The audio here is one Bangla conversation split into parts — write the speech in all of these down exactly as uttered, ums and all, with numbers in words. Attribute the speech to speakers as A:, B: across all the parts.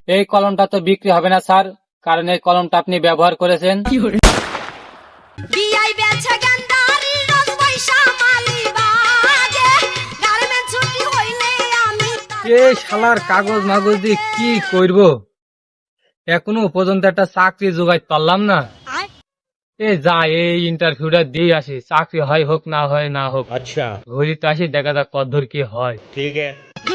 A: এই কলমটা তো বিক্রি হবে না স্যার, কারণ এই কলমটা আপনি ব্যবহার করেছেন। এই শালার কাগজ মাগজ দিয়ে কি করব, এখনো পর্যন্ত একটা চাকরি জোগাড় পারলাম না। এ যা, এই ইন্টারভিউটা দিয়ে আসি, চাকরি হয় হোক না হয় না হোক।
B: अच्छा
A: ঘড়িতে আসি, দেখা যাক কতদূর কি হয়।
B: ठीक है।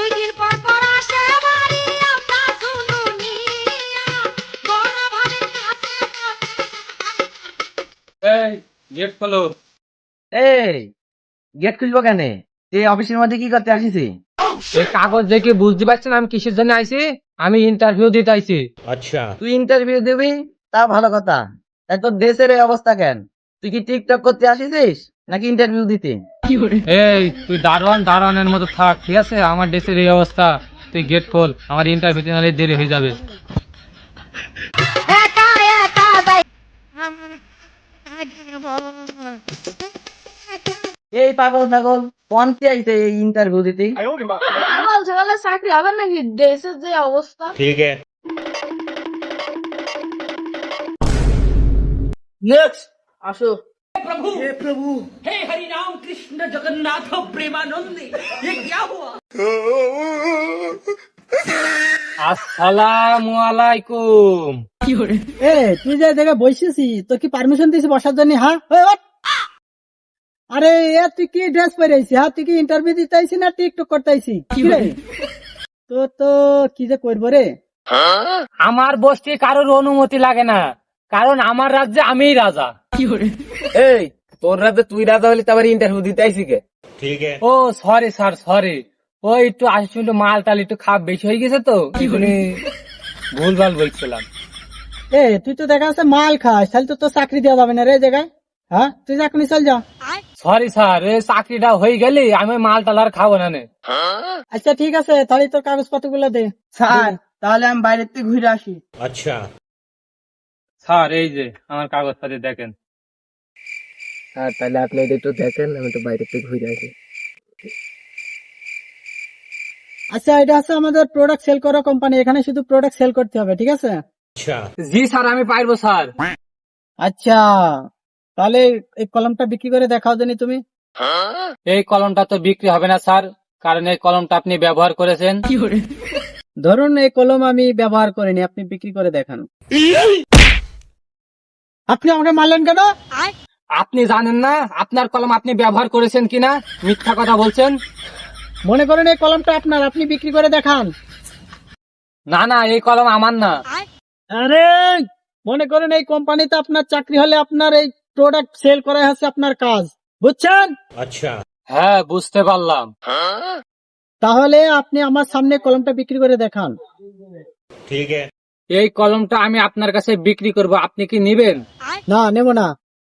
A: এই গেট খোলো।
C: এই গেট খুলবো কেন? তুই অফিসের মধ্যে কি করতে আসিস?
A: এই কাগজ দেখে বুঝতে পারছেন আমি কিসের জন্য আইছি? আমি ইন্টারভিউ দিতে আইছি।
B: अच्छा
C: তুই ইন্টারভিউ দিবি তা ভালো কথা, তাই তোর দেশের এই অবস্থা কেন? তুই কি টিকটক করতে আসিস নাকি ইন্টারভিউ দিতে?
A: এই তুই দারোয়ান দারোয়ানের মতো থাক, ঠিক আছে? আমার দেশের এই অবস্থা, তুই গেট খোল, আমার ইন্টারভিউতে নাহলে দেরি হয়ে যাবে।
C: এই পাগল পাগল পন্থী আইছে এই ইন্টারভিউ দিতে।
D: বলছে বলে চাকরি হবে নাকি দেশের যে অবস্থা।
B: ठीक है।
C: নেক্সট আসো।
A: আসসালামু আলাইকুম।
E: এ তুই যে জায়গায় বসেছি, তোর কি পারমিশন দিয়েছি বসার জন্য? হ্যাঁ ওই ওঠ। আরে এ তুই কি ড্রেস পরে আইছি? হ্যাঁ তুই কি ইন্টারভিউ দিতে আইছি না টিকটক করতে আইছি? কি রে তো তো কি যে করবো রে?
A: আমার বসতে কারোর অনুমতি লাগে না, কারণ আমার রাজ্যে আমিই রাজা।
C: এই তোর রাতে তুই রাজা হলি তারপরে ইন্টারভিউ দিতে আইছি কে?
B: ठीक है।
A: ও সরি স্যার, সরি। ওই একটু আসলে একটু মাল টাল একটু খাপ বেশি হয়ে গেছে তো, ভুলভাল বলছিলাম।
E: এ তুই তো দেখা যাচ্ছে মাল খাস, তাহলে তো তোর চাকরি দেওয়া যাবে না রে এই জায়গায়। হ্যাঁ তুই চাকরি চল যা।
A: সরি স্যার, এই চাকরিটা হয়ে গেলে আমি মাল টাল আর খাবো না নে।
E: আচ্ছা ঠিক আছে, তাহলে তোর কাগজপত্র গুলো দে।
C: স্যার তাহলে আমি বাইরের থেকে ঘুরে আসি।
B: अच्छा
A: স্যার এই যে আমার কাগজপত্র দেখেন।
C: স্যার তাহলে আপনি এটা একটু দেখেন, আমি তো বাইরের থেকে ঘুরে আসি।
E: আচ্ছা এটা হচ্ছে আমাদের প্রোডাক্ট সেল করা কোম্পানি, এখানে শুধু প্রোডাক্ট সেল করতে হবে, ঠিক আছে?
B: अच्छा
A: জি স্যার, আমি পারবো স্যার।
E: আচ্ছা তাহলে এই কলমটা বিক্রি করে দেখাও জানি তুমি।
A: এই কলমটা তো বিক্রি হবে না স্যার, কারণ এই কলমটা আপনি ব্যবহার করেছেন।
E: ধরুন এই কলম আমি ব্যবহার করিনি, আপনি বিক্রি করে দেখান। আপনি আমাকে মারলেন কেন?
A: আপনি জানেন না আপনার কলম আপনি ব্যবহার করেছেন কিনা? মিথ্যা কথা বলছেন।
E: মনে করেন এই কলমটা আপনার, আপনি বিক্রি করে দেখান।
A: না না, এই কলম আমার না।
E: আরে মনে করেন এই কোম্পানিতে আপনার চাকরি হলে আপনার এই প্রোডাক্ট সেল করা হচ্ছে আপনার কাজ, বুঝছেন?
B: अच्छा
A: হ্যাঁ বুঝতে পারলাম।
E: তাহলে আপনি আমার সামনে কলমটা বিক্রি করে দেখান।
B: ठीक है।
A: এই কলমটা আমি আপনার কাছে বিক্রি করব, আপনি কি নেবেন?
E: না নেব না।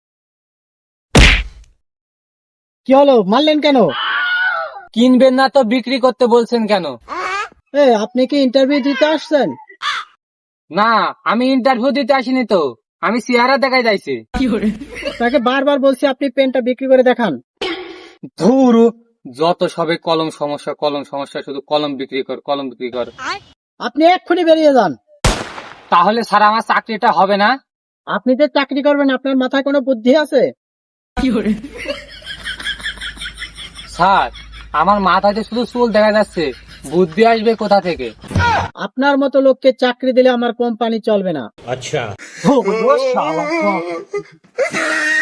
E: কি হলো, মারলেন কেন?
A: কিনবেন না তো বিক্রি করতে বলছেন কেন?
E: এ আপনি কি ইন্টারভিউ দিতে আসছেন?
A: না, আমি ইন্টারভিউ দিতে আসিনি তো, আমি চেহারা দেখাই যাইছি।
E: তাকে বারবার বলছি আপনি পেনটা বিক্রি করে দেখান।
A: ধুর, যত সবে কলম সমস্যা, কলম সমস্যা, শুধু কলম বিক্রি কর, কলম বিক্রি কর।
E: আপনি এক্ষুনি বেরিয়ে যান।
A: তাহলে স্যার আমার চাকরিটা হবে না?
E: আপনি যে চাকরি করবেন আপনার মাথায় কোনো বুদ্ধি আছে?
A: স্যার আমার মাথায় তো শুধু চুল দেখা যাচ্ছে, বুদ্ধি আসবে কোথা থেকে?
E: আপনার মতো লোককে চাকরি দিলে আমার কোম্পানি চলবে না।
B: अच्छा
A: ও শালা।